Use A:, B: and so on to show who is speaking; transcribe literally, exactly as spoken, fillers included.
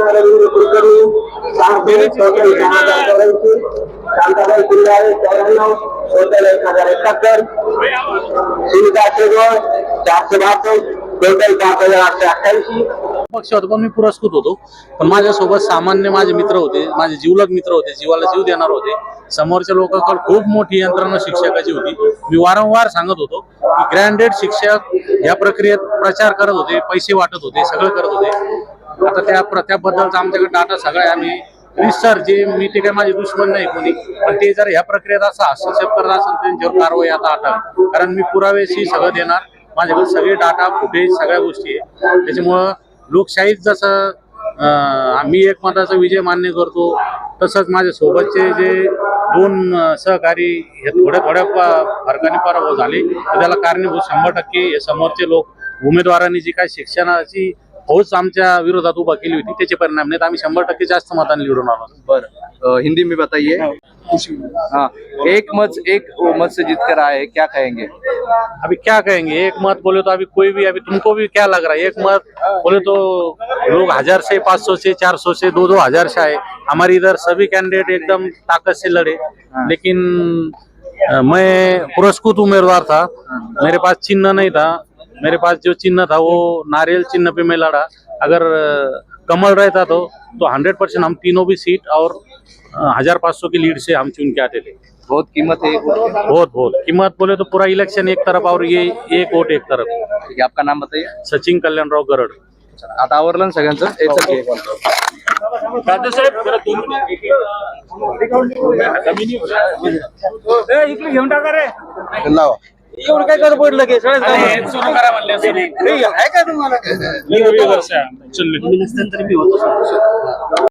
A: रवींद्र कुलकर्णी शांताबाई किल्लारे चौऱ्याण्णव टोटल एक हजार एकाहत्तर सुनीता शेगवळ चारशे बासष्ट टोटल पाच हजार आठशे अठ्ठ्याऐंशी
B: पक्ष होतो पण मी पुरस्कृत होतो. पण माझ्यासोबत सामान्य माझे मित्र होते, माझे जीवलग मित्र होते, जीवाला जीव देणार होते. समोरच्या लोकांकडे खूप मोठी यंत्रणा शिक्षकाची होती. मी वारंवार सांगत होतो की ग्रँडेड शिक्षक या प्रक्रियेत प्रचार करत होते, पैसे वाटत होते, सगळं करत होते. आता त्या त्याबद्दलचा आमच्याकडे डाटा सगळा आहे. आम्ही रिसर जे मी ते काय माझे दुश्मन नाही कोणी, पण ते जर ह्या प्रक्रियेत असा हस्तक्षेप करत असेल त्यांच्यावर कारवाई आता आठावी. कारण मी पुरावेशी सगळं देणार, माझ्याकडे सगळे डाटा फुटेज सगळ्या गोष्टी आहे. त्याच्यामुळं लोकशाहीत जसं आम्ही एकमताचा विजय मान्य करतो, तसंच माझ्या सोबतचे जे दोन सहकारी हे थोड्या थोड्या फरकाने पराभव झाले, तर त्याला कारणीभूत शंभर टक्के हे समोरचे लोक उमेदवारांनी जी काय शिक्षणाची फौज आमच्या विरोधात उभा केली होती त्याचे परिणाम नाहीत. आम्ही शंभर टक्के जास्त मतांनी निवडून आलो.
C: बरं, हिंदी में बताइए. हाँ, एक मत एक मत से जीत कर आए हैं, क्या कहेंगे?
B: अभी क्या कहेंगे, एक मत बोले तो अभी कोई भी, अभी तुमको भी क्या लग रहा है, एक मत बोले तो लोग हजार से पाँच सौ से चार सौ से दो दो हजार से आए. हमारे इधर सभी कैंडिडेट एकदम ताकत से लड़े, लेकिन मैं पुरस्कृत उम्मीदवार था, मेरे पास चिन्ह नहीं था. मेरे पास जो चिन्ह था वो नारियल चिन्ह पे मैं लड़ा. अगर कमल रहता तो तो हंड्रेड परसेंट हम तीनों भी सीट और हजार पाँच सौ की लीड से हम चुन के आते थे.
C: बहुत कीमत है.
B: बहुत बहुत कीमत बोले तो पूरा इलेक्शन एक तरफ और ये एक वोट एक तरफ.
C: ठीक है, आपका नाम बताइए.
B: सचिन कल्याणराव गरड.
C: आता आवरलं ना सगळ्यांचं.
D: इकडे घेऊन टाका रे.
C: एवढं काय कर पडलं की
D: सुरू करा म्हणले
C: आहे का तुम्हाला?
D: मी होतो वर्षा.